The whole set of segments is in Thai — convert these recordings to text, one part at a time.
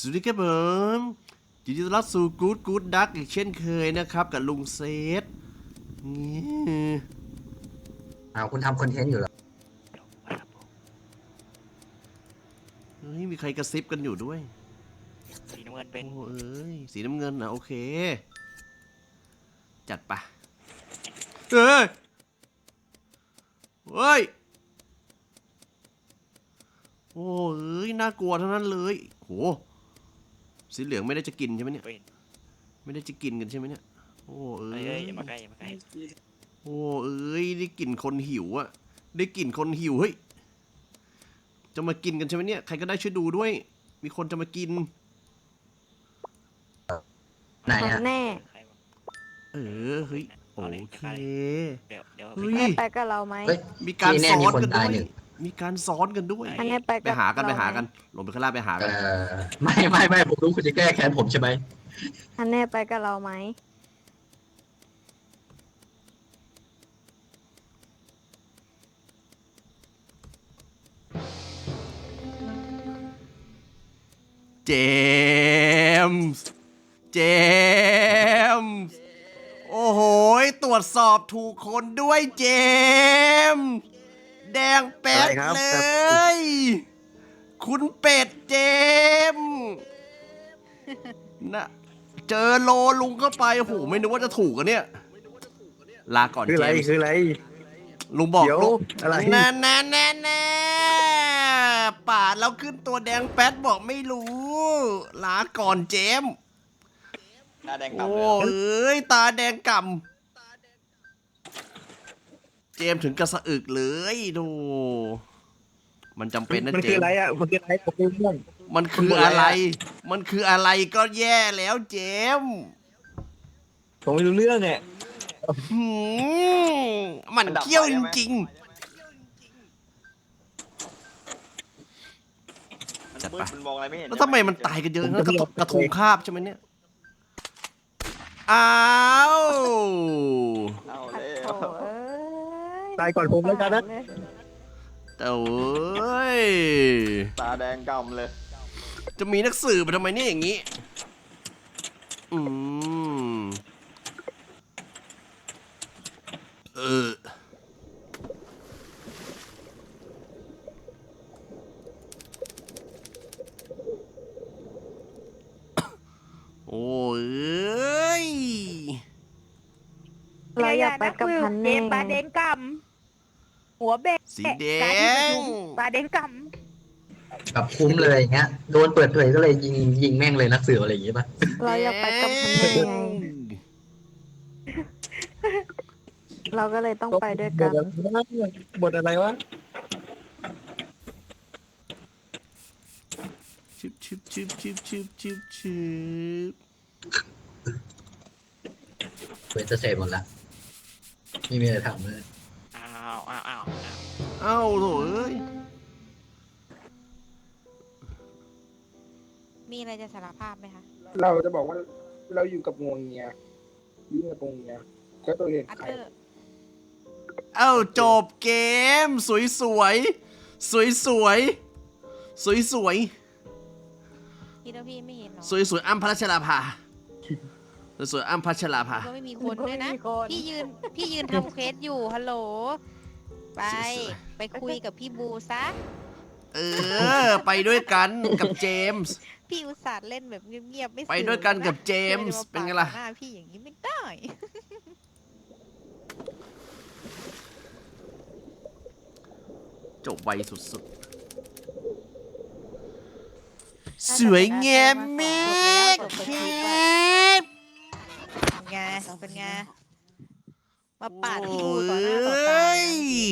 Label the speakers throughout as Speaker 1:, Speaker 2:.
Speaker 1: สวัสดีครับผมยินดีต้อนรับสู่กู๊ดดักอีกเช่นเคยนะครับกับลุงเซตนี่
Speaker 2: คุณทำคอนเทนต์อยู่เหรอ
Speaker 1: เฮ้ยมีใครกระซิบกันอยู่ด้วย
Speaker 3: สีน้ำเงินเป็น
Speaker 1: โอ้เอ้ยสีน้ำเงินนะโอเคจัดปะเฮ้ยเฮ้ยโอ้เอ้ยน่ากลัวทั้งนั้นเลยโหสีเหลืองไม่ได้จะกินใช่ไหมเนี่ย
Speaker 3: เป็น
Speaker 1: ไม่ได้จะกินกันใช่ไหมเนี่ยโอ้เอ้
Speaker 3: เอ้ย
Speaker 1: ย
Speaker 3: อย่ามาใกล้อย่ามาใกล้
Speaker 1: โอ้เอ้ยได้กลิ่นคนหิวอะได้กลิ่นคนหิวเฮ้ยจะมากินกันใช่ไหมเนี่ยใครก็ได้ช่วยดูด้วย มีคนจะมากิน
Speaker 2: ไหนฮะ
Speaker 4: แน่
Speaker 3: ใครวะ
Speaker 1: เออเฮ้ยโอเค
Speaker 3: เดี๋ยว
Speaker 1: เฮ้ย
Speaker 4: แน่ไปกับเราไหม
Speaker 2: เฮ้ย
Speaker 1: มีการ
Speaker 2: ที่แน่
Speaker 1: ซ้อ
Speaker 2: มี
Speaker 1: น
Speaker 2: คน
Speaker 1: กันด้
Speaker 2: ตา
Speaker 1: วย ย
Speaker 2: หนึ่ง
Speaker 1: มีการซ้อนกันด้วย
Speaker 4: อันนี้ไป
Speaker 1: ไป
Speaker 4: กับ
Speaker 1: หากัน
Speaker 4: เร
Speaker 1: ไปหากัน
Speaker 4: ไหม
Speaker 1: ลงไปข้างล่างไปหากัน
Speaker 2: ไม่ผมรู้คุณจะแก้แค้นผมใช่ไหม
Speaker 4: อันแน่ไปกับเราไหม
Speaker 1: เจมส์เจมส์โอ้โหตรวจสอบถูกคนด้วยเจมส์แดงแป๊ดเลย คุณเป็ดเจมส์นะเจอโลลุงเข้าไปโอ้โหไม่นึกว่าจะถูกอะเนี่ย ลาก่อน
Speaker 5: คือ
Speaker 1: เจ
Speaker 5: อะไร
Speaker 1: มส์
Speaker 5: คืออะไร
Speaker 1: ลุงบอก
Speaker 5: เดี๋ยว
Speaker 1: ลุง
Speaker 5: อะไร
Speaker 1: แน่ปาดแล้วขึ้นตัวแดงแป๊ดบอกไม่รู้ ลาก่อนเจมส์
Speaker 3: หน้าแดง
Speaker 1: โอ้
Speaker 3: กำเลย
Speaker 1: เอ้ยตาแดงก่ำเจมส์ถึงกระสะอึกเลยดูมันจำเป็นนะ
Speaker 5: มัน
Speaker 1: เจ
Speaker 5: คือ
Speaker 1: ม
Speaker 5: อะไร
Speaker 1: ส์
Speaker 5: อ่ะมันคืออะไรผมไม่รู้เรื่อง
Speaker 1: มันคืออะไร มันคืออะไรก็แย่แล้วเจมส์
Speaker 5: ผมไม่รู้เรื่องเนี่ย
Speaker 1: หืมมันเขี้ยวจริงๆจัดไป
Speaker 3: มันมองอะไรไม่เห็น
Speaker 1: แล้วทำไมมันตายกันเยอะนะกระทงคาบใช่ไหมเนี่ย อ้าว
Speaker 3: เอา
Speaker 4: โอ้
Speaker 3: เลย
Speaker 4: เอ้ย
Speaker 5: ตายก่อนผมแล้วกันนะ
Speaker 1: แต่เอ้ย
Speaker 3: ตาแดงกำเลย
Speaker 1: จะมีนักสืบมาทำไมเนี่ยอย่างนี้ อืม เออ โอ้ย
Speaker 4: เราอยากไปกับพันแน่
Speaker 6: ปลาแดงกำหัวเบะ
Speaker 1: สีแด
Speaker 6: การที่ประ
Speaker 1: ง
Speaker 6: ชุมปลาแดงก
Speaker 2: แบบคุ้มเลยอย่างเงี้ยโดนเปิดเผยก็เลยยิงแม่งเลยนักสืบอะไรอย่างงี้ป่ะ
Speaker 4: เราอยากไปกับพันแน่ไงเราก็เลยต้องไปด้วยกัน
Speaker 5: บทอะไรวะ
Speaker 1: ชิบชิบชิบชิบชิบชิบชิบ
Speaker 2: เปิดจะเสร็จหมดละไม่มีอะไรทำเลย
Speaker 3: อ้าวอ้าวอ้าว
Speaker 1: เอ้าโถเอ้ย
Speaker 6: ำมีอะไรจะสารภาพไหมคะ
Speaker 5: เราจะบอกว่าเราอยู่กับงวงเงียอยู่กับงวงเงียก็ตัวเห็น
Speaker 6: อัต
Speaker 5: ใคร
Speaker 6: เตอร์
Speaker 1: เอ้าจบเกม สวยสวยสวยสวยสวยสวย
Speaker 6: พี่แล้วพี่ไม่เห็นหรอ
Speaker 1: สวยสวยอ้ำพัชราภาสวยอ้ำพัชราภา
Speaker 6: ก็ไม่มีคนด้วยนะ
Speaker 4: ไม่มีคน
Speaker 6: พี่ยืนทำเควสอยู่ฮัลโหลไปไปคุยกับพี่บูซะ
Speaker 1: เออ ไปด้วยกันกับเจมส์
Speaker 6: พี่อุตส่าห์เล่นแบบเงียบๆไม่
Speaker 1: ไปด้วยกันกับเจมส์
Speaker 6: สื่อ
Speaker 1: เป็นไงล่ะ
Speaker 6: หน้าพี่อย่างนี้ไม่ได้
Speaker 1: จบไวสุดๆ สวยงามมากครับ
Speaker 6: เป็นไงเป็นไงมาปาดพี่
Speaker 1: โอ้
Speaker 6: บูต่อหน้าต่อตา
Speaker 1: ย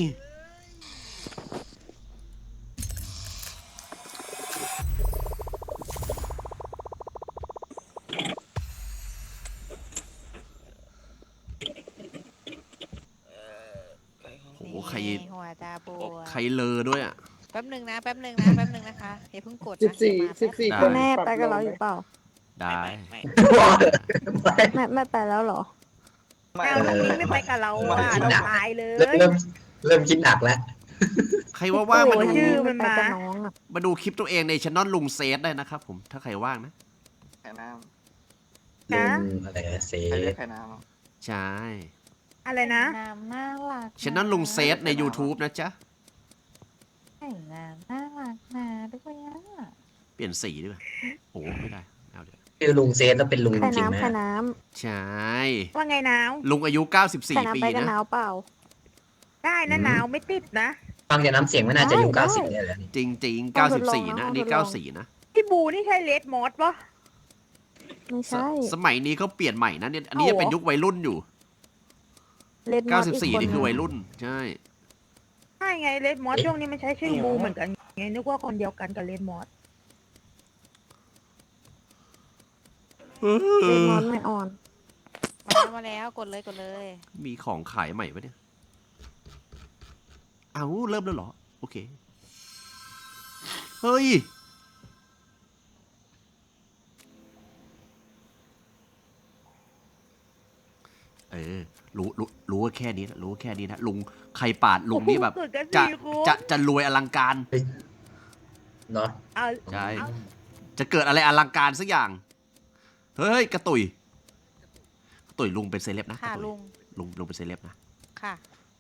Speaker 1: โอ้โหใคร
Speaker 6: หัวตาบัว
Speaker 1: ใครเลอด้วยอ่ะ
Speaker 6: แป๊บหนึ่งนะนะคะอย่าเพิ่งกดนะ
Speaker 5: 14
Speaker 6: มาแป๊บ
Speaker 5: 14
Speaker 1: ได้
Speaker 5: คน
Speaker 4: แน่ไปกับเราอยู่เปล่า
Speaker 1: ได้
Speaker 3: ไม่
Speaker 4: ไม่ไปแล้วเหรอ
Speaker 6: เอาทางนี้ไม่ไปกับเราอ่ะเราตายเล
Speaker 2: เริ่
Speaker 6: ย
Speaker 2: มเริ่มคิดหนักแล้ว
Speaker 1: ใครว่างๆมาดู
Speaker 4: ชื่อมันมากับน้องอ่ะ
Speaker 1: มาดูคลิปตัวเองในช่องลุงเซตได้นะครับผมถ้าใครว่างนะ
Speaker 3: ไข่น้
Speaker 2: ลุงอะไรนะเซ
Speaker 3: ำใครเรีย
Speaker 2: ฟ
Speaker 3: กไข่น้ำ
Speaker 1: ใช่
Speaker 7: อะไรนะ
Speaker 6: น้ำน่ารัก
Speaker 1: ช่องลุงเซตใน YouTube นะจ๊ะ
Speaker 6: ไข่น้ำน่ารักนะด้วยอ่ะ
Speaker 1: เปลี่ยนสีดีกว่าโอ้ไม่ได้เอาเดี๋ยว
Speaker 2: คือลุงเซฟแล้วเป็นลุง
Speaker 4: ไข่
Speaker 2: จริงไหม
Speaker 4: น้ำไข่น้
Speaker 1: ใช่
Speaker 7: ว่าไงหนาว
Speaker 1: ลุงอายุ
Speaker 4: ำไข่
Speaker 1: 94
Speaker 4: น้ำ
Speaker 1: ปี
Speaker 4: ไปกัน
Speaker 1: นะ
Speaker 4: หนาวเปล่า
Speaker 7: ได้นะหนาวไม่ติดนะ
Speaker 2: ฟังจากน้ำเสียงไม่น่าจะอายุ
Speaker 4: ได้
Speaker 2: 90เนี่ยแหละนี่
Speaker 1: จริงๆ
Speaker 4: เอาทดลอง
Speaker 1: 94 นะ
Speaker 4: เอา
Speaker 1: อันนี้
Speaker 4: ทดลอง
Speaker 1: 94 นะ
Speaker 7: พี่บูนี่ใช่เลดมอสปะ
Speaker 4: ไม่ใช่
Speaker 1: สมัยนี้เขาเปลี่ยนใหม่นะเนี่ยอันนี้
Speaker 4: เอา
Speaker 1: ยัง
Speaker 4: เหรอ
Speaker 1: เป็นยุควัยรุ่นอยู่
Speaker 4: เล่นมอสอีก
Speaker 1: 94 นี่คือวัย
Speaker 4: น
Speaker 1: รุ่น ใช่
Speaker 7: ใช่ไงเลดมอสช่วงนี้มันใช้ชื่อบูเหมือนกันไงนึกว่าคนเดียวกันกับเลดมอส
Speaker 4: เล่นมอสไม่อ่อน
Speaker 6: มาแล้วกดเลยกดเลย
Speaker 1: มีของขายใหม่ปะเนี่ย เอาเริ่มแล้วเหรอ โอเค เฮ้ย เออ รู้ว่าแค่นี้นะรู้ว่าแค่นี้นะ ลุง ใครปาดลุงนี่แบบ
Speaker 7: เกิดกัน
Speaker 1: จะ
Speaker 7: สี่คน
Speaker 1: จะรวยอลังการ
Speaker 2: เนาะ
Speaker 7: เอา
Speaker 1: ใช่ จะเกิดอะไรอลังการสักอย่าง เฮ้ย กระตุยกระตุยลุงเป็นเซเลบนะก
Speaker 6: ค่ะ
Speaker 1: ระตุย
Speaker 6: ลุง
Speaker 1: ลุงเป็นเซเลบนะ
Speaker 6: ค่ะ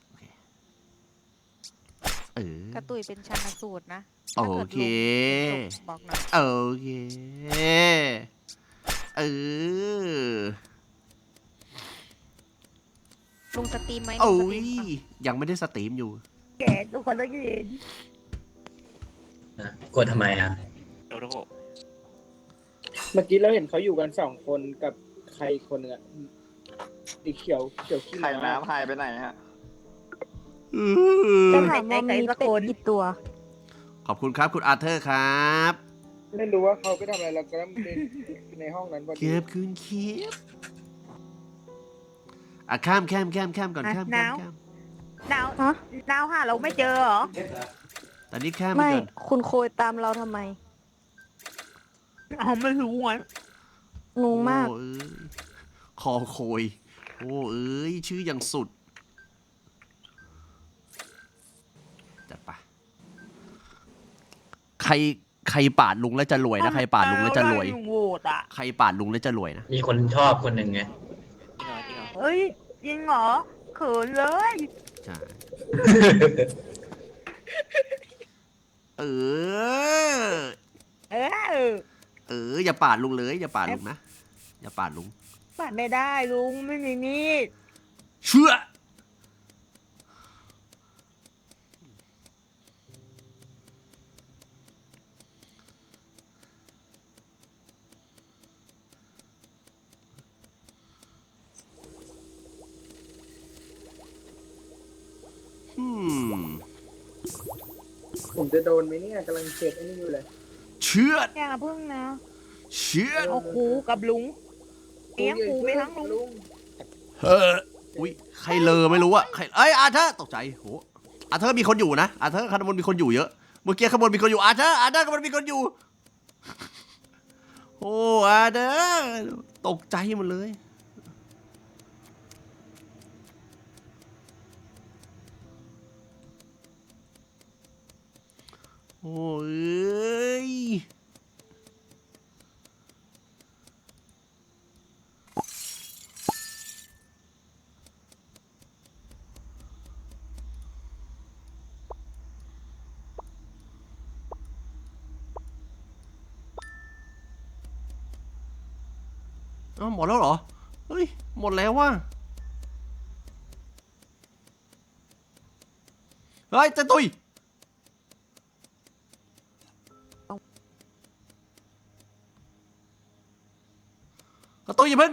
Speaker 1: เออ
Speaker 6: กระตุยเป็นชันสูตรนะ
Speaker 1: โอ
Speaker 6: ถ้ากิด
Speaker 1: เค
Speaker 6: ลุงบอกหน่อย
Speaker 1: โอเค เออ
Speaker 6: ลุงสตรีมไหม
Speaker 1: โอ้
Speaker 6: ลุงสต
Speaker 1: ย
Speaker 6: รีมปะ
Speaker 1: ยังไม่ได้สตรีมอยู่
Speaker 7: แกทุกคนต้องยืน
Speaker 2: นะกดทำไมอ่ะ
Speaker 3: โดโด
Speaker 5: เมื่อกี้เราเห็นเขาอยู่กัน2 คนกับใครอีกคนหนึงอะสีเขียวขี้
Speaker 3: ไข่
Speaker 5: ม้า
Speaker 3: น้ำหายไปไหนฮะ
Speaker 4: จะถามว่ามีเป็ดกี่ตัว
Speaker 1: ขอบคุณครับคุณอาร์เธอร์ครับ
Speaker 5: ไม่รู้ว่าเขาไปทำอะไรเราก็ในห้องนั้นพอดี
Speaker 1: เก็บคืนคีบอ่ะข้ามก่อนข้าม
Speaker 7: หนาว
Speaker 1: ข้าม
Speaker 7: หนาวหนาวหาเราไม่เจอเหรอ
Speaker 1: ตอนนี้ข้ามไป
Speaker 4: ไม่
Speaker 1: ก่อน
Speaker 4: คุณโคยตามเราทำไม
Speaker 7: อ๋อไม่รู้ไง
Speaker 4: งงมาก
Speaker 1: โอ้เอ้ยคอโคย โอ้เอ้ยชื่ออย่างสุด จัดไป ใครปาดลุงแล้วจะรวยนะ ใครปาดลุงแล้วจะรวย
Speaker 7: ลุงโหวตอ่ะ
Speaker 1: ใครปาดลุงแล้วจะรวยนะ
Speaker 2: มีคนชอบคนหนึ่งไง
Speaker 7: เฮ้ยจริงเหรอเขินเลย
Speaker 1: ใช่ เออ
Speaker 7: เออ
Speaker 1: อย่าปาดลุงเลย อย่าปาดลุงนะ อย่าปาดลุง
Speaker 7: ปัดไม่ได้ลุงไม่มีมีด
Speaker 1: เชื่อ
Speaker 5: ผมจะโดนไหมเนี่ยกำลังเช็ดไอ้นี่อยู่เลย
Speaker 1: เชื่อ
Speaker 7: อย่าพึ่งนะ
Speaker 1: เชื่อ
Speaker 7: เอาครูกับลุงเลี้ยงครูไปทั้งลุง
Speaker 1: เฮ้ออุ้ยใครเลอไม่รู้อะใครเอ้ยอาเธอร์ตกใจโหอาเธอร์มีคนอยู่นะอาเธอร์ข้างบนมีคนอยู่เยอะเมื่อกี้ข้างบนมีคนอยู่อาเธอร์ข้างบนมีคนอยู่โอ้อาเธอร์ตกใจหมดเลยโอ้ยอ้าวหมดแล้วเหรอ เฮ้ย หมดแล้วว่ะ เฮ้ยเจะตุยกระตุยอย่าเพิ่ง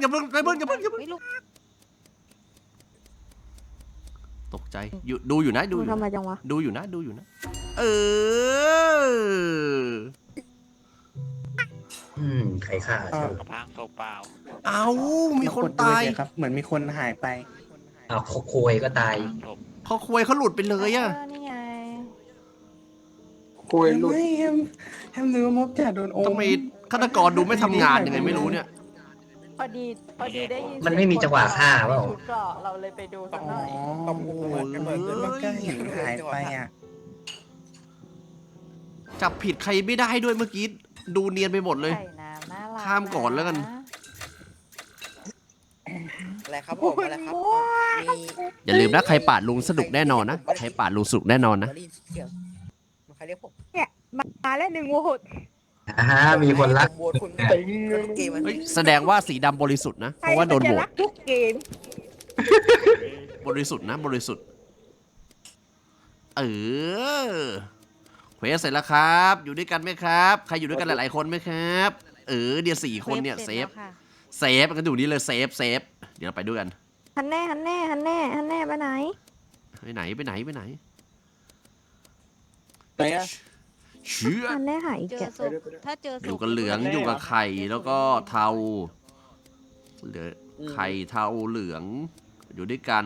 Speaker 1: ตกใจอยู่ดูอยู่นะดูอยู่
Speaker 4: ทำไม
Speaker 1: นะ
Speaker 4: จังวะ
Speaker 1: ดูอยู่นะเออ
Speaker 2: ใครฆ่าชื่อ
Speaker 3: กระพังตัวเปล่า
Speaker 1: เอามีคนตาย
Speaker 5: ครับ เหมือนมีคนหายไป
Speaker 2: อ้าวโคยก็ตาย
Speaker 1: เขาควยเขาหลุดไปเลยอะ
Speaker 6: นี่ไง
Speaker 5: คุยหลุด
Speaker 8: แฮมลืมมบจ่าโดนโอม
Speaker 1: ทำไมฆาตกรดูไม่ทำงานยังไงไม่รู้เนี่ย
Speaker 4: พอดีได้ยิน
Speaker 2: มันไม่มีจังหวะฆ่าเปล่า
Speaker 4: ชุดเกราะเราเลยไปดูสักหน่อย
Speaker 8: ตบหัวกันเหมือนมันก็เห็นหายไปอ่ะ
Speaker 1: จับผิดใครไม่ได้ด้วยเมื่อกี้ดูเนียนไปหมดเลย
Speaker 4: ไข่น้ำน่ารัก
Speaker 1: ข้ามก่อนแล้วกัน
Speaker 9: อะไรครับผมอะไรครับมี
Speaker 1: อย่าลืมนะใครปาดลุงสนุกแน่นอนนะใครปาดลุงสนุกแน่นอนนะ
Speaker 9: ได้ยินเสียงมันใครเรียกผม
Speaker 7: มาแล้ว1 โหวต
Speaker 2: มีคนรัก
Speaker 9: โหวตคุณเกมมัน
Speaker 1: เฮ้ยแสดงว่าสีดำบริสุทธิ์นะ เพราะว่าโดน
Speaker 7: ใคร
Speaker 1: โหว
Speaker 7: จะรั
Speaker 1: ต
Speaker 7: กทุกเกม
Speaker 1: บริสุทธิ์นะบริสุทธิ์เควสเสร็จแล้วครับ อยู่ด้วยกันไหมครับ ใครอยู่ด้วยกันหลายๆคนไหมครับเดี๋ยว4 คนเนี่ยเซฟ
Speaker 6: ค่ะ
Speaker 1: เซฟกันอยู่นี่เลยเซฟเดี๋ยวเราไปด้วยกัน
Speaker 4: ฮันแน่ไปไหน
Speaker 1: ไปไหน
Speaker 5: ไหนอะ
Speaker 1: เชื่อ
Speaker 4: ฮันแน่หายอีก
Speaker 6: เจอ
Speaker 4: แกะ
Speaker 6: ศพถ้าเจอศพ
Speaker 1: อยู่กับเหลืองอยู่กับไข่แล้วก็เทาเหลือไข่เทาเหลือง อยู่ด้วยกัน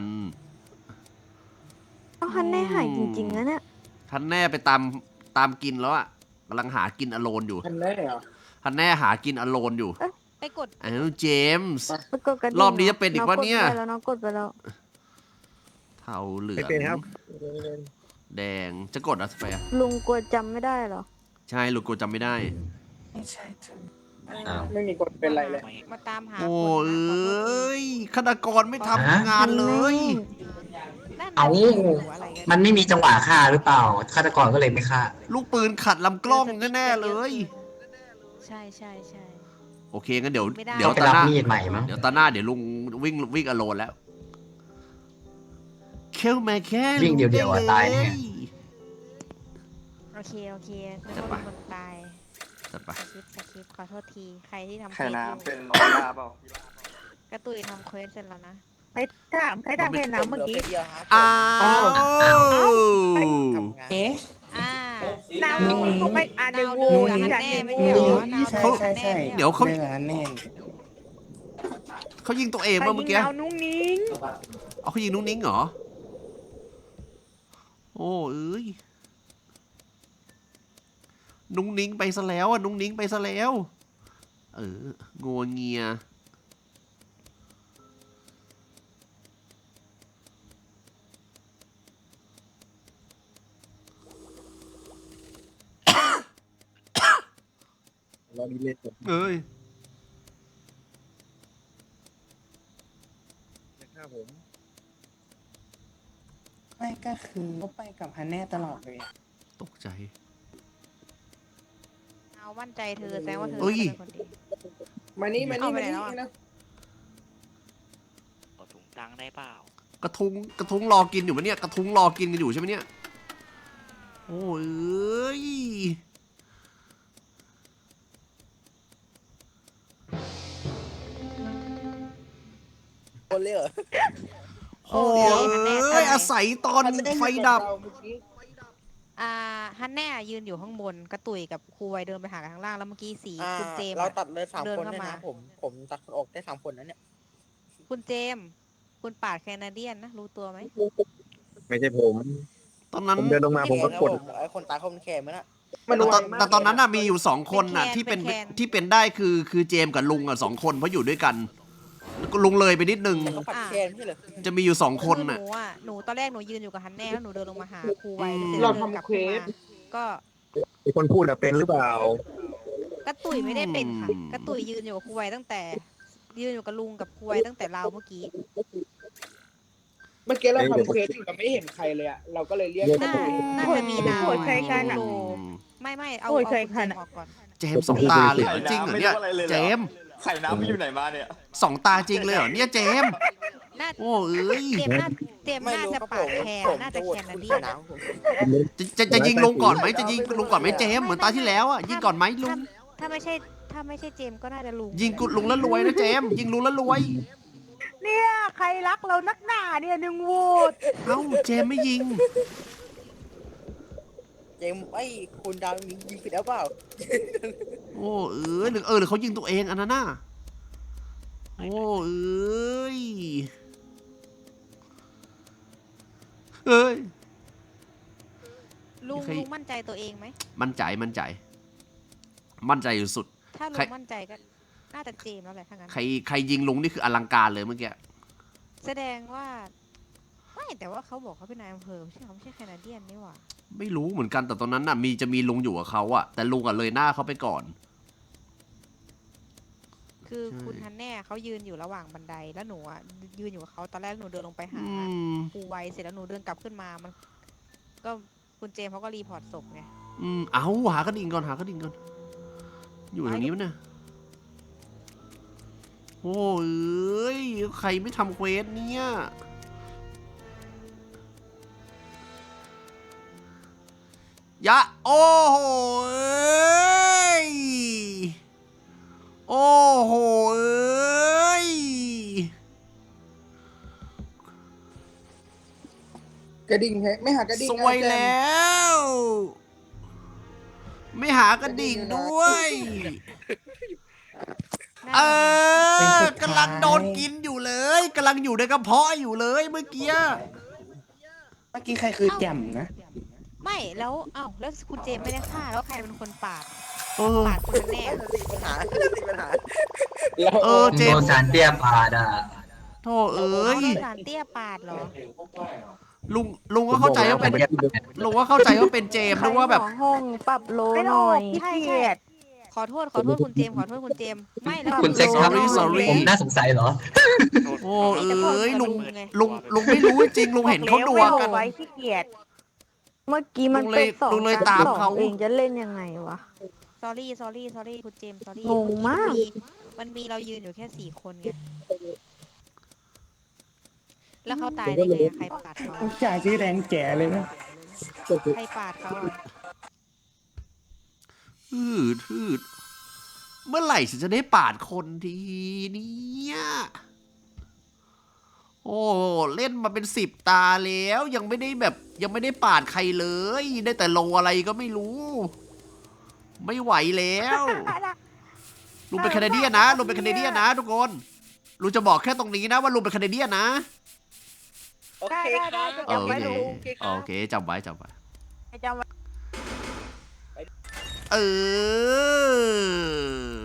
Speaker 4: เอาฮันแน่หายจริงๆนะเนี่ย
Speaker 1: ท่านแน่ไปตามกินแล้วอ่ะกำลังหากินอโลนอยู่
Speaker 5: ทันแน่เหรอ
Speaker 1: ท่านแน่หากินอโลนอยู่
Speaker 6: ไปกด
Speaker 1: เจมส์
Speaker 4: ไปกดกระดิ่ง
Speaker 1: รอบนี้จะเป็นอีกวะเนี่ย
Speaker 4: น้องกดไปแล้ว
Speaker 1: เทาเหลือง
Speaker 10: เป็นครับ
Speaker 1: แดงจะกดอะไรไปอ่ะ
Speaker 4: ลุงกลัวจำไม่ได้เหรอ
Speaker 1: ใช่ลูกกูจำไม่ได้
Speaker 8: ไม่ใช่เธอ
Speaker 2: อ้าว
Speaker 5: ไม่มีคนเป็นไรเลย
Speaker 6: มาตามหา
Speaker 1: โอ้
Speaker 6: คน
Speaker 1: เอ
Speaker 6: นะขอโทษ
Speaker 1: ้ยฆาตกรไม่ทำงานเลย
Speaker 6: นั่น
Speaker 2: เอา
Speaker 6: น่ะสิอะไรกัน
Speaker 2: มันไม่มีจังหวะฆ่าหรือเปล่าฆาตกรก็เลยไม่ฆ่า
Speaker 1: ลูกปืนขัดลำกล้องแน่ๆเลย
Speaker 6: ใช่ใช่ใช่
Speaker 1: โอเคงั้นเดี๋ยว
Speaker 6: ไม่ได้
Speaker 1: เดี๋ยว
Speaker 2: ไป
Speaker 1: ตา
Speaker 2: รับ
Speaker 1: หน้า
Speaker 2: มีดใหม่มั้ง
Speaker 1: เดี๋ยวตาหน้าเดี๋ยวลุงวิ่งอโลนแล้วเข้ามาแค่
Speaker 2: วิ่งเดียวๆอะตายแน่
Speaker 6: โอเคนึกว่าเป็นคนตาย
Speaker 1: จัดไป
Speaker 6: สคริปต์ขอโทษทีใครที่ทำ
Speaker 3: ไข่
Speaker 6: เควสอยู่
Speaker 3: น้ำเป็นน้องลาเปล่าก
Speaker 6: ระตุยทำเควสเสร็จแล้วนะ
Speaker 7: ใครถามใครถามแค่น้ำเมื่อกี้
Speaker 9: เดียวครับ
Speaker 1: อ้าว
Speaker 9: ทำงาน
Speaker 8: เอ๊ะ
Speaker 6: อ่า
Speaker 7: น้ำเขาไป1 โหว
Speaker 6: นู
Speaker 7: ต
Speaker 6: กับฮัน
Speaker 7: จาก
Speaker 6: แน่
Speaker 7: 1
Speaker 6: ไม่
Speaker 7: โหว
Speaker 6: ใช่เหร
Speaker 7: ต
Speaker 6: อ
Speaker 8: ใช่ใช่
Speaker 1: เดี๋ยวเขา
Speaker 8: เรื่องนั้นแน่
Speaker 1: เขายิงตัวเอง
Speaker 7: ใคร
Speaker 1: ป่ะเมื่อ
Speaker 7: ยิ
Speaker 1: กี้
Speaker 7: งเอานุ้งนิ้ง
Speaker 1: เอาเขายิงนุ้งนิ้งเหรอโอ้เอ้ยนุ้งนิ้งไปซะแล้วอ่ะนุ้งนิ้งไปซะแล้วงัวเงียเอ้ย
Speaker 8: ไม่ก็คือเขาไปกับฮันแน่ตลอดเลยอะ
Speaker 1: ตกใจ
Speaker 6: เอามั่นใจเธอแสดงว่าเธอ
Speaker 1: เอ้ย
Speaker 6: เป็นคนดี
Speaker 5: มานี่มา
Speaker 6: เอา
Speaker 5: นี่
Speaker 6: ไป
Speaker 5: มา
Speaker 6: ไหน
Speaker 5: นี่
Speaker 6: แล้วอะ
Speaker 5: นะ
Speaker 3: ขอถุงตังค์ได้เปล่า
Speaker 1: กระทุ้งรอกินอยู่ปะเนี่ยกระทุ้งรอกินกันอยู่ใช่ไหมเนี่ยโอ้ยเอ้ย
Speaker 9: คนเลยเหรอ
Speaker 1: โอ้ยอาศัยตอนไฟดับ
Speaker 6: ฮันแน่ยืนอยู่ข้างบนกระตุยกับครูไวเดินไปหากันข้างล่างแล้วเมื่อกี้สีคุณเจมส์
Speaker 9: เรา
Speaker 6: อะ
Speaker 9: ตัดเลย3
Speaker 6: เดิน
Speaker 9: คน
Speaker 6: เข้า
Speaker 9: เนี่ย
Speaker 6: มา
Speaker 9: นะผมตัดคนออกได้3 คนนะเนี่ย
Speaker 6: คุณเจมส์คุณปาดแคนาเดียนนะรู้ตัวไหม
Speaker 10: ไม่ใช่ผม
Speaker 1: ตอนนั้น
Speaker 10: ผมเดินลงมาผมก็กด
Speaker 9: ไอ้คนตายเขามันแค่มันอะ
Speaker 5: มันไวมาก
Speaker 1: แต่ตอนนั้นน่ะมีอยู่2 คนน่ะที่เป็นได้คือเจมส์กับลุงอ่ะ2 คนเพราะอยู่ด้วยกันแล้วก็ลุงเลยไปนิดนึง
Speaker 9: เขาปัดแค่ไม่ใช่เหรอ
Speaker 1: จะมีอยู่2 คน
Speaker 6: คือห
Speaker 1: น่ะ
Speaker 6: นูตอนแรกหนูยืนอยู่กับฮันแน่แล้วหนูเดินลงมาหาครูไวแล้วเสร็จ
Speaker 5: เรา
Speaker 6: แล้วเดินกลับ
Speaker 5: ทำเคว
Speaker 6: ขึ้น
Speaker 5: ส
Speaker 6: มาก็
Speaker 10: ไอคนพูดอะเป็นหรือเปล่า
Speaker 6: กระตุยไม่ได้เป็นค่ะกระตุยยืนอยู่กับครูไวตั้งแต่ยืนอยู่กับลุงกับครูไวตั้งแต่เราเมื่อกี้
Speaker 5: เมื่อกี้เราทำเควสอยู่เราไม่เห็นใครเลยอะเราก็เลยเรียก
Speaker 6: น่าจะมีนาว
Speaker 7: โหวตใครกันอะ
Speaker 6: โลไม่เอา
Speaker 7: โอ้ย
Speaker 6: เอา
Speaker 7: ใคร
Speaker 6: คุณ
Speaker 7: คั
Speaker 6: เจ
Speaker 7: น
Speaker 6: ม
Speaker 7: อะ
Speaker 6: ส์ออกก่อน
Speaker 1: เจมส์2 ตาเลยเหรอจริงเหรอเนี่ยเจมส์
Speaker 3: ไข่น้ำมันอยู่ไหนมาเนี่ย
Speaker 1: 2 ตาจริงเลยเหรอเนี่ยเจมส์
Speaker 6: น่า
Speaker 1: โอ้เอ้ย
Speaker 6: เจมส์น่าจะปาดแคร์น่าจะแคนาเดียน
Speaker 9: นะ
Speaker 1: จะยิงลุงก่อนไหมจะยิงลุงก่อนไหมเจมส์เหมือนตาที่แล้วอ่ะยิงก่อนไหมลุง
Speaker 6: ถ้าไม่ใช่เจมส์ก็น่าจะลุง
Speaker 1: ยิงกุดลุงแล้วรวยนะเจมส์ยิงลุงแล้วรวย
Speaker 7: เนี่ยใครรักเรานักหนาเนี่ย1 โหวต
Speaker 1: เอ้าเจมส์ไม่ยิง
Speaker 9: เจมไอ้คุณดาวยิงผิดแล้วเปล่า
Speaker 1: โอ้หรือเขายิงตัวเองอันนั้นน่ะโอ้เอ้ย
Speaker 6: ลุง
Speaker 1: ใคร
Speaker 6: ลุงมั่นใจตัวเองไหม
Speaker 1: มั่นใจอยู่สุด
Speaker 6: ถ้าลุ
Speaker 1: ใคร
Speaker 6: งมั่นใจก็น่าจะเจมส์แล้วแหละถ้างั้น
Speaker 1: ใครยิงลุงนี่คืออลังการเลยเมื่อกี้
Speaker 6: แสดงว่าไม่แต่ว่าเขาบอกเขาเป็นนายอำเภอไม่ใช่แคนาเดียนนี่หว่า
Speaker 1: ไม่รู้เหมือนกันแต่ตอนนั้นน่ะจะมีลุงอยู่กับเขาอะแต่ลุงอะเลยหน้าเขาไปก่อน
Speaker 6: คือคุณฮันแน่เขายืนอยู่ระหว่างบันไดแล้วหนูอ่ะยืนอยู่กับเขาตอนแรกหนูเดินลงไปหา
Speaker 1: อืม
Speaker 6: ครูไวเสร็จแล้วหนูเดินกลับขึ้นมามัน ก็คุณเจมส์เขาก็รีพอร์ตศพไง
Speaker 1: เอาหากระดิ่งก่อนหากระดิ่งก่อนอยู่ตรงนี้มั้ยเนี่ยโอ้ยใครไม่ทำเควสเนี่ยยะโอ้โหโอ้โห
Speaker 5: กระดิ่งไม่หากระดิ่ง
Speaker 1: สวยแล้ว ไม่หากระดิ่งด้วย
Speaker 6: น่าจะ
Speaker 1: กำลังโดนกินอยู่เลยกำลังอยู่ในกระเพาะอยู่เลยเมื่อกี้
Speaker 8: เมื่อกี้ใครคือแจ่มนะ
Speaker 6: ไม่แล้วแล้วคุณเจมส์ไม่ได้ฆ่าแล้วใครเป็นคนปาด
Speaker 1: เออ
Speaker 6: ปาดคุณฮันแน่
Speaker 9: ปัญหาปัญหา
Speaker 1: เจ
Speaker 2: โด
Speaker 1: ม
Speaker 2: น
Speaker 1: ส์
Speaker 2: สารเตี้ยปาดอ่ะ
Speaker 1: โธ่เอ้ย
Speaker 6: โดนสารเตี้ยปาดเหรอ
Speaker 1: ลุงก็เข้าใจว่าเป็นลุงก็เข้าใจว่าเป็นเจมส์
Speaker 4: ใคร
Speaker 1: นึกว่าแบบ
Speaker 4: หมอห้องปรับโล
Speaker 7: ไม่
Speaker 4: ห
Speaker 7: ต้อ
Speaker 4: น่
Speaker 7: ง
Speaker 4: อย
Speaker 7: ขี้เกียจ
Speaker 6: ขอโทษคุณเจมส์ขอโทษคุณเจมส์ไม่แล้ว
Speaker 2: คุณเซ็กครับ
Speaker 1: sorry
Speaker 2: ผมน่าสงสัยเหรอ
Speaker 1: โอ้เอ้ยลุงไม่รู้จริงลุงเห็นเขาดัวกัน
Speaker 7: ไว้ขี้เกียจ
Speaker 4: เมื่อกี้มัน
Speaker 1: ลุงเลย
Speaker 4: เป็นสอง
Speaker 1: ลุงเลย
Speaker 4: กับ
Speaker 1: ตาม
Speaker 4: สอง
Speaker 1: เขา
Speaker 4: เองจะเล่นยังไงวะ
Speaker 6: sorry คุณเจมส์ sorry
Speaker 4: งงมาก
Speaker 6: มันมีเรายืนอยู่แค่4 คนไงแล้วเขาตายได้ไงอะใครปาดเขา
Speaker 8: ผู้ชายชื่อแดงแก่เลยนะ
Speaker 6: ใครปาดเขาอะ
Speaker 1: ทืดเมื่อไหร่ฉันจะได้ปาดคนทีเนี่ยโอ้เล่นมาเป็น10 ตาแล้วยังไม่ได้ปาดใครเลยได้แต่โลอะไรก็ไม่รู้ ไม่ไหวแล้วลุงเป็นแคนาเดียนนะลุงเป็นแคนาเดียนนะทุกคนลุงจะบอกแค่ตรงนี้นะว่าลุงเป็นแคนาเดียนนะ
Speaker 9: โอเคครับ
Speaker 1: โอ
Speaker 9: จำไว้
Speaker 1: เค
Speaker 9: ลุงโอเคครับ
Speaker 1: โอเคจำไว้
Speaker 7: จำไว้
Speaker 1: เออ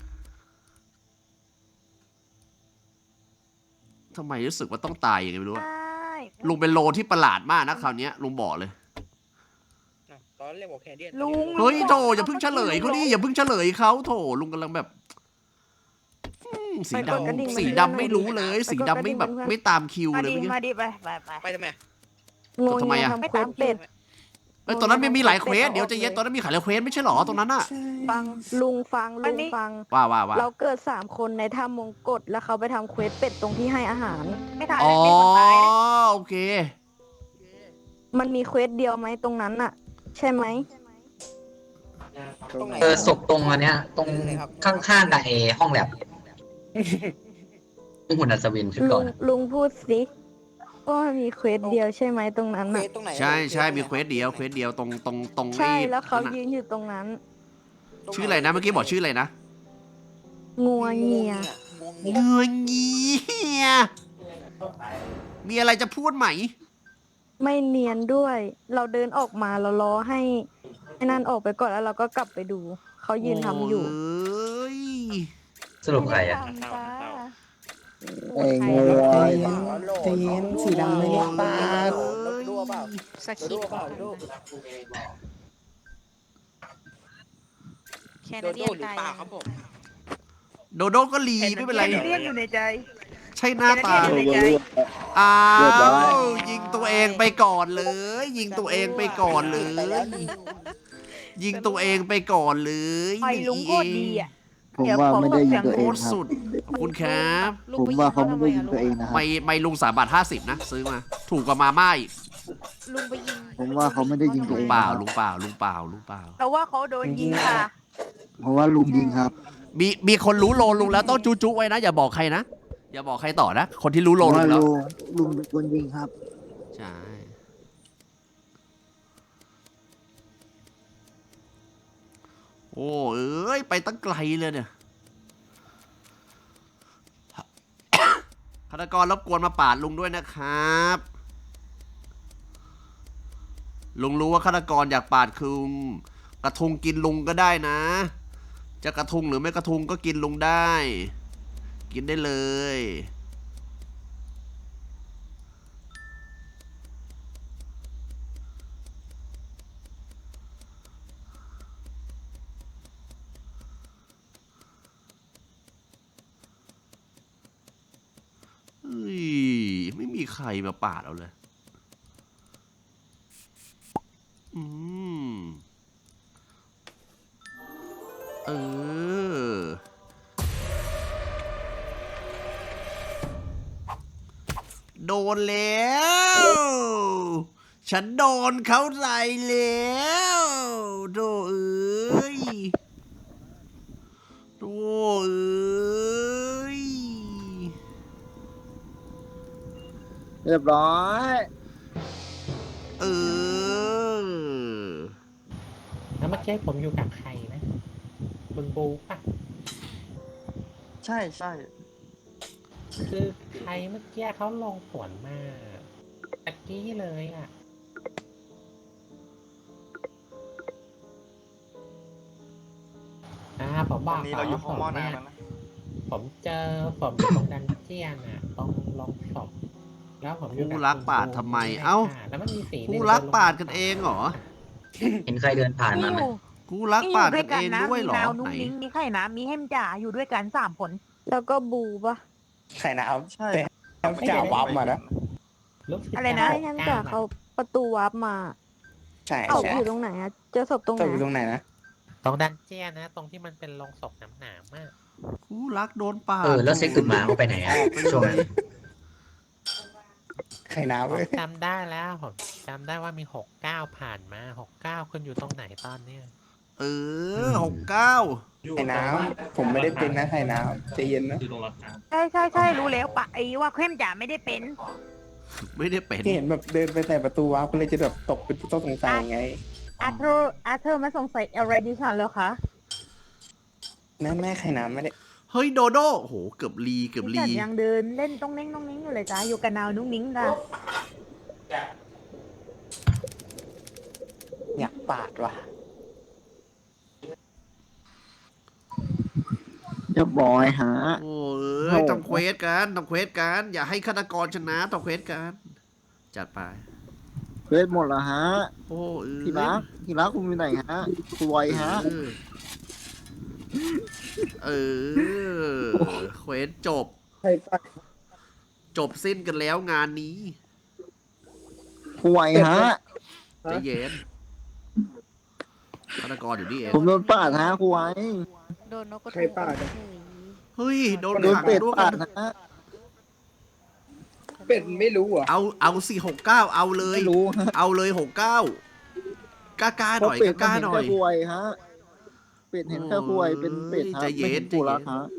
Speaker 1: ทำไมรู้สึกว่าต้องตายอย่างไงไม่รู้อะ
Speaker 7: ได้
Speaker 1: ลุงเป็นโลที่ประหลาดมากนะคราวเนี้ยลุงบอกเลย
Speaker 9: ตอนเรียกบอกแคนเดียน
Speaker 7: ลุง
Speaker 1: เฮ้ยโถอย่าเพิ่งเฉลยเขาดิอย่าเพิ่งเฉลยเขาโถลุงกำลังแบบสี
Speaker 4: ไปกดกระดิ่ง
Speaker 1: ดำ
Speaker 4: มา
Speaker 1: สี
Speaker 4: ให้
Speaker 1: ดำ
Speaker 4: หน่อย
Speaker 1: ไม่รู้เลย
Speaker 4: ไป
Speaker 1: สี
Speaker 4: กดก
Speaker 1: ดำ
Speaker 4: ระดิ่
Speaker 1: ไม่
Speaker 4: ง
Speaker 1: แบบ
Speaker 4: เพื่อน
Speaker 1: ไม่ตามคิว
Speaker 7: มา
Speaker 1: เลย
Speaker 7: ดิ
Speaker 1: เมื่อกี้
Speaker 7: มาดิไป
Speaker 9: ไปทำไม
Speaker 4: งง
Speaker 1: ทำไมอะ
Speaker 4: ทำเควสเป็ด
Speaker 1: เอ้ยตอนนั้นมีหลายเควสเดี๋ยวใจะเย็นตอนนั้นมีหลายเควสไม่ใช่หรอตรงนั้นอะ
Speaker 4: ฟังลุงฟัง
Speaker 1: ว่า
Speaker 4: เราเกิด3 คนในถ้ำมงกฎแล้วเขาไปทำเควสเป็ดตรงที่ให้อาหาร
Speaker 7: ไม่ทัน
Speaker 1: อ๋อ
Speaker 7: ไม่คนตายนะ
Speaker 1: โอเค
Speaker 4: มันมีเควสเดียวไหมตรงนั้นอะใช่ไหม
Speaker 9: ตรงไหน
Speaker 2: ศพตรงอันเนี้ย ตรงข้างๆกับห้องแลบหุ่นอัศวินชุดก่อน
Speaker 4: ลุงพูดสิว่ามันมีเควสเดียวใช่ไหมตรงนั้น
Speaker 9: เฟ
Speaker 4: อะ
Speaker 9: ซตรงไหน
Speaker 1: ใช่มีเควสเดียวตรง
Speaker 4: ใช่
Speaker 1: ไอ้
Speaker 4: แล้วเขา
Speaker 1: นั่น
Speaker 4: ยื
Speaker 1: น่ะ
Speaker 4: นอยู่ตรงนั้น
Speaker 1: ชื่ออะไรนะเมื่อกี้บอกชื่ออะไรนะ
Speaker 4: งัวเงีย
Speaker 1: เงยเงียมีอะไรจะพูดไหม
Speaker 4: ไม่เนียนด้วย เราเดินออกมาเรารอให้ไอ้นั่นออกไปก่อนแล้วเราก็กลับไปดู เขายืนทำอยู่
Speaker 1: โอ้ย
Speaker 2: สรุปใครอ่ะ
Speaker 8: ไอ้งูใจเย็นสีดำไม่ได้ปาด
Speaker 9: ดูเปล่า
Speaker 6: สคริ
Speaker 9: ดู
Speaker 6: ปต์
Speaker 9: เปล่าดู
Speaker 6: แค
Speaker 9: โด
Speaker 6: นา
Speaker 9: โด
Speaker 6: เดียน
Speaker 9: หรือ
Speaker 6: ตาย
Speaker 9: เปล่า
Speaker 6: ยัง
Speaker 9: ครับผม
Speaker 1: โดโดก็รีไม่เป็นไร
Speaker 7: แคนาเดียนอยู่ในใจ
Speaker 1: ใช่หน้าตา
Speaker 7: แคนาเดียนอยู่ในใจ
Speaker 1: อ้า
Speaker 10: เรียบร้อย
Speaker 1: วยิงตัวเองไปก่อนเลย ยิงตัวเองไปก่อนเลย
Speaker 9: ไปแล้วนี่
Speaker 1: ยิงตัวเองไปก่อนเลย
Speaker 7: ไอ้ลุงโคตรดีอ่ะ
Speaker 11: ผมว่าไม่ได้ยิงตัว
Speaker 1: โค
Speaker 11: เอง
Speaker 1: ตร
Speaker 11: ครับ
Speaker 1: สุดขอบคุณครับ
Speaker 6: ลุง
Speaker 11: ผม
Speaker 6: ไปยิ
Speaker 11: ว่าง เขา
Speaker 6: เขา
Speaker 11: ไม่
Speaker 6: ทำไม
Speaker 11: ได้ยิ
Speaker 6: อะ
Speaker 11: ง
Speaker 6: ลุ
Speaker 11: ตัว
Speaker 6: ง
Speaker 11: เองนะครับ
Speaker 1: ไม่ลุง3.50 นะซื้อมา ถูกกว่ามาม่าอีก
Speaker 6: ลุงไปยิง
Speaker 11: ผมว่าเขาไม่ได้ยิงตัวเอง
Speaker 1: เปล่า
Speaker 11: ครับ
Speaker 1: ลุงเปล่า
Speaker 7: แต่ว่าเขาโดนยิงค่ะ
Speaker 11: เพราะว่าลุงยิงครับ
Speaker 1: มีคนรู้โลลุงแล้วต้องจุไว้นะอย่าบอกใครนะอย่าบอกใครต่อนะคนที่รู้
Speaker 11: เพ
Speaker 1: โล
Speaker 11: ราะ
Speaker 1: ลุ
Speaker 11: ว่าง
Speaker 1: แล้ว
Speaker 11: ลุงเป็นคนยิงครับ
Speaker 1: ใช่โอ้เอ้ยไปตั้งไกลเลยเนี่ย ฆาตกรรบกวนมาปาดลุงด้วยนะครับ ลุงรู้ว่าฆาตกรอยากปาดคุงกระทุงกินลุงก็ได้นะ จะกระทุงหรือไม่กระทุงก็กินลุงได้ กินได้เลยใครมาปาดเอาเลย อืม เออ โดนแล้ว ฉันโดนเขาใส่แล้วโดเอ้ยโดเอ้ย
Speaker 11: เรียบร้อย
Speaker 1: เออ
Speaker 8: แล้วเมื่อกี้ผมอยู่กับใครนะบึงบูป่ะ
Speaker 3: ใช่ใช่
Speaker 8: คือใครเมื่อกี้เขาลงสวนมาตะกี้เลยอ่ะผม
Speaker 3: ต
Speaker 8: บ
Speaker 3: อ
Speaker 8: อน ก
Speaker 3: นี้
Speaker 8: ก่อ
Speaker 3: เรา
Speaker 8: น
Speaker 3: อยู่
Speaker 8: ว่า
Speaker 3: ห้องหม้อน้ำแล้วนะ
Speaker 8: ผมอยู่ตรงดันเจียนอ่ะตรงลงศพแล้วผมอยู่กับ
Speaker 1: ผู้รักปาดทำไมเอ้า
Speaker 8: แล้วมันมีสี
Speaker 1: คู่รักปาดกันเองเหรอ
Speaker 2: เห็นใครเดินผ่านมาไหม
Speaker 1: คู่รักปาดกันเองด้วยเหรอ
Speaker 7: มีนาว
Speaker 1: ไห
Speaker 7: นุ่
Speaker 1: น
Speaker 7: งนิ้งมีไข่น้ำมีเฮมจ่าอยู่ด้วยกัน3 คน
Speaker 4: แล้วก็บูปะ
Speaker 9: ไข่น้ำ
Speaker 3: ใช่
Speaker 9: จ่าวับมานะ
Speaker 8: รู้สึก
Speaker 7: อะไรนะ
Speaker 4: ให้แฮมจ่าเขาประตูวาร์ปมา
Speaker 9: ใช่
Speaker 4: เอา
Speaker 9: ใช่
Speaker 4: อยู่ตรงไหนอะเจอศพตรงไห
Speaker 9: ต
Speaker 4: น
Speaker 9: กอยู่ตรงไหนนะ
Speaker 8: ตรงดันเจียนนะ ตรงที่มันเป็นลงศพหนามๆมาก
Speaker 1: คู่รักโดนปาด
Speaker 2: แล้วเซ็กตุดหมาเขาไปไหนอะช่วงนั้น
Speaker 9: ไข่น้ำ
Speaker 8: ผ
Speaker 9: เว้
Speaker 8: ม
Speaker 9: ย
Speaker 8: จำได้แล้วผมจำได้ว่ามี69ผ่านมา69คุณอยู่ตรงไหนตอนเนี้ย
Speaker 1: เออ69
Speaker 9: ไข่น้ำผมไม่ได้เป็นนะไข่น้ำใจเย็นนะ
Speaker 7: ใช่รู้แล้วปะไอ้ว่าเฮมจ่าไม่ได้เป็น
Speaker 1: ไม่ได้เป็น
Speaker 9: ที่เห็นแบบเดินไปแต่ประตูวับก็เลยจะแบบตกเป็นต้องสงสัยไง
Speaker 7: อาเธอร์มาสงสัยอะไรดิฉันแล้วคะ
Speaker 9: แม่ไข่น้ำไม่ได้
Speaker 1: เฮ้ยโดโดโอ้โหเกือบลี
Speaker 7: ดิฉันยังเดินเล่นต้องเน้งอยู่เลยจ้าอยู่กับนาวนุ่งนิ้งจ้า
Speaker 9: อยากปาดว่ะ
Speaker 11: เรียบร้อยฮะ
Speaker 1: โอ้ยทำเควสกันอย่าให้ฆาตกรชนะทำเควสกันจัดไป
Speaker 11: เวทหมดแล้วฮะ
Speaker 1: โอ้เออ
Speaker 11: ที่รักคุณอยู่ไหนฮะคุณไวฮะ
Speaker 1: เออเควสจบ
Speaker 5: ใครปาด
Speaker 1: จบสิ้นกันแล้วงานนี้
Speaker 11: คุณไวฮะ
Speaker 1: ใจเย็นฆาตกรอยู่นี่เอง
Speaker 11: ผมโดนปาดฮะคุณไว
Speaker 6: โดนนกกระ
Speaker 5: ใคร
Speaker 6: ทุง
Speaker 5: ปาดอะ
Speaker 6: เฉย
Speaker 1: เฮ้ยโดน
Speaker 11: โดน
Speaker 1: ขัง
Speaker 11: เป็ด
Speaker 1: ด้วย
Speaker 11: ปา
Speaker 1: กั
Speaker 11: ด
Speaker 1: น
Speaker 11: ฮะ
Speaker 5: เป็ดไม่รู้เหรอ่ะ
Speaker 1: เอา469เอาเลย
Speaker 11: ไม่รู้ฮะ
Speaker 1: เอาเลย69กล้าๆหน่อย
Speaker 11: เพระเป็ด
Speaker 1: กล้า
Speaker 11: มัน
Speaker 1: ๆห
Speaker 11: เห็น
Speaker 1: น่อย
Speaker 11: แค่คุณไวฮะเป็ดเห็นแค่คุณไวเป็นเป็ดฮะ
Speaker 1: ใจเย็
Speaker 11: ไม่
Speaker 1: น
Speaker 11: เห็นผู้รัก
Speaker 1: ใจเย็น
Speaker 11: ฮะ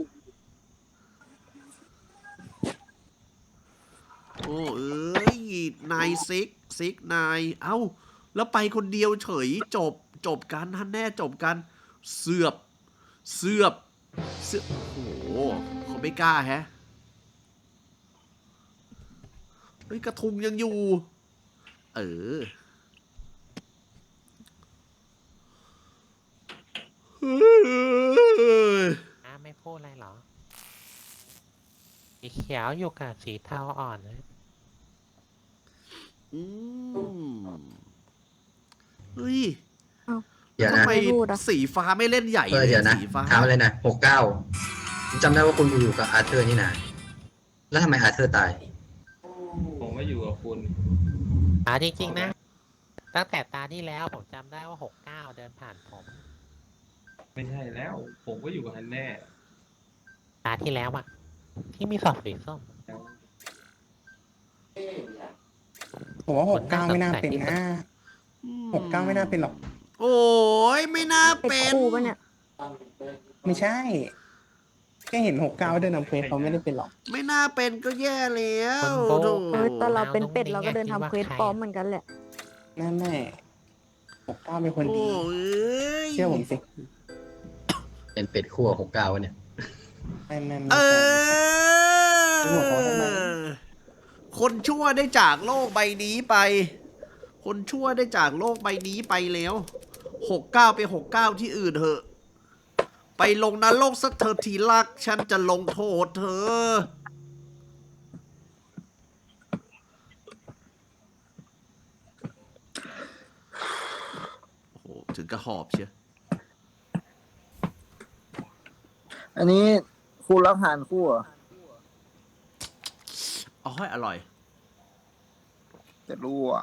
Speaker 1: โอ้เอ้ยนายซิกนายเอ้าแล้วไปคนเดียวเฉยจบกันท่านแน่จบกันเสือบโอ้โหเขาไม่กล้าแฮะเฮ้ยกระทุงยังอยู่ เออ
Speaker 8: ไม่พูดอะไรเหรอสีเขียวอยู่กับสีเทาอ่อนนะ
Speaker 1: อืมเฮ้ย
Speaker 2: เดี๋ยว
Speaker 1: ทำ
Speaker 2: นะ
Speaker 1: ไมสีฟ้าไม่เล่นใหญ่
Speaker 2: เดี๋ยวนะ
Speaker 1: สีฟ้า
Speaker 2: ถามเลยนะ69จำได้ว่าคุณอยู่กับอาร์เธอร์นี่นะแล้วทำไมอาร์เธอร์ตาย
Speaker 12: ผมไม่อยู่กับคุณ
Speaker 8: จริงๆนะ ตั้งแต่ตาที่แล้วผมจำได้ว่า69เดินผ่านผม
Speaker 12: ไม่ใช่แล้ว ผมก็อยู่กับฮันแน่
Speaker 8: ตาที่แล้วอะที่มีสอบสีส้ม
Speaker 9: ผมว่า69ไม่น่าเป็นนะ69ไม่น่าเป็นหรอก
Speaker 1: โอ้ยไม่น่า
Speaker 4: เป็ด
Speaker 1: เป็น
Speaker 4: คู่ปะเนี่ย
Speaker 9: ไม่ใช่แค่เห็น69เดินนำเพลเขาไม่ได้เป็นหรอก
Speaker 1: ไม่น่าเป็นก็แย่แล้ว
Speaker 8: คนโบ
Speaker 1: โถ
Speaker 4: เออแต่เราเป็นเป็ดเราก็เดินทำเควสปลอมเหมือนกันแหละ
Speaker 9: แม่69เป็นคน
Speaker 1: โอ้
Speaker 9: ดี
Speaker 1: ย
Speaker 9: เชื่อผมสิ
Speaker 2: เป็นเป็ดขั้ว69วะเนี่ย
Speaker 9: ไม่
Speaker 1: เอ
Speaker 9: ใช่ ไม่บอกเขาทำไม
Speaker 1: คนชั่วได้จากโลกใบนี้ไป คนชั่วได้จากโลกใบนี้ไปแล้ว69ไป69ที่อื่นเถอะ ไปลงนรกสักเธอทีรัก ฉันจะลงโทษเธอ โอ้โห ถึงกระหอบเชียว
Speaker 11: อันนี้คู่รักหานคู่เหรอ
Speaker 1: อ๋ออร่อย
Speaker 11: จะรู้อ่ะ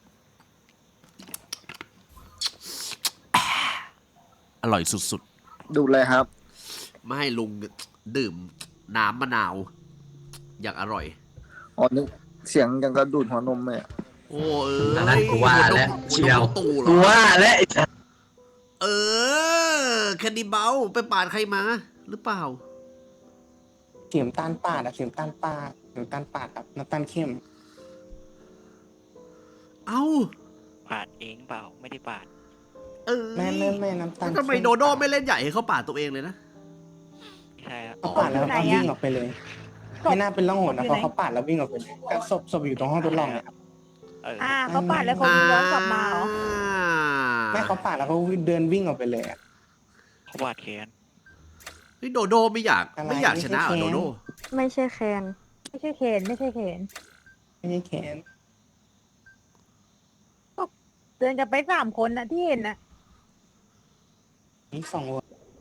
Speaker 1: อร่อยสุด
Speaker 11: ดูเลยครับ
Speaker 1: ๆ ไม่ให้ลุงดื่มน้ำมะนาว อย่างอร่อย
Speaker 11: อ๋อนึกเสียงยังกระดูดหัวนมเลยอะ
Speaker 1: โอ้เอ
Speaker 2: อันนั้นกูว่าแล้ว
Speaker 1: หั
Speaker 2: เชียว
Speaker 1: ตู่เหร
Speaker 2: กู
Speaker 1: อ
Speaker 2: ว่าแล้วไอ้สัส
Speaker 1: เออแคนดี้เบลไปปาดใครมา หรือเปล่า
Speaker 9: เสียมตาลปาดอะเสียมตาลปาดเสียมตาลปาดครับน้ำตาลเข้ม
Speaker 1: เอ้า
Speaker 3: ปาดเองเปล่าไม่ได้ปาด
Speaker 1: เออ
Speaker 9: แม่น้ำตาล
Speaker 1: แล้วทำไมโดโดไม่เล่นใหญ่ให้เขาปาดตัวเองเลยนะ
Speaker 3: ใช่ครับ
Speaker 9: เขาปาดแล้วก็วิ่งออกไปเลย ไม่น่าเป็นร่องหนนะเพราะเขาปาดแล้ววิ่งออกไปเลยก็ศพอยู่ตรงห้องทดลองเนี่ย
Speaker 7: เขาปาดแล้วเขาย้อนกลับมาเหรอ
Speaker 9: แม่เขาปาดแล้วเขาเดินวิ่งออกไปเลยอะ
Speaker 3: เขาปาดแขน
Speaker 1: เฮ้ยโดโดไม่อยากชนะเหรอโดโด
Speaker 4: ไม่ใช่แคน
Speaker 7: ไม่ใช่เขนไม่ใช่เขน
Speaker 9: ไม่ใช่แขน
Speaker 7: เดินกันไป3 คนนะที่เห็นนะ
Speaker 9: นี่สองวัว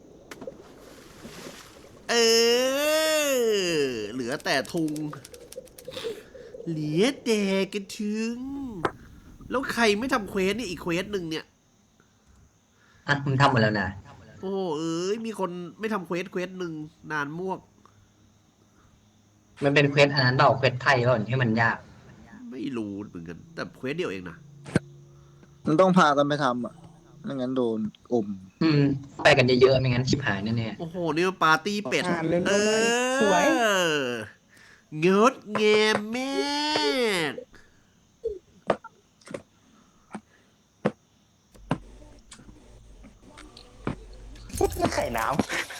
Speaker 1: เออ เหลือแต่ทุง เหลือแต่กระถึง แล้วใครไม่ทำเควสนี่อีกเควสหนึ่งเนี่ย
Speaker 2: อ่ะมึงทำหมดแล้วนะ
Speaker 1: โอ้เอ้ยมีคนไม่ทำเควสหนึ่งนานมวก
Speaker 2: มันเป็นเควสอันนั้นเปล่าเควสไทยเปล่าที่มันยาก
Speaker 1: ไม่รู้เหมือนกัน แต่เควสเดียวเองนะ
Speaker 11: มันต้องพากันไปทำอ่ะไม่งั้นโดนอม
Speaker 2: ไปกันเยอะๆไม่งั้นชิบหายแน่
Speaker 1: โอ้โห นี่มันปาร์ตี้เป็ด
Speaker 9: เล่น
Speaker 1: เอ
Speaker 9: สวย
Speaker 1: งดงามมาก
Speaker 9: ไข่น้ำ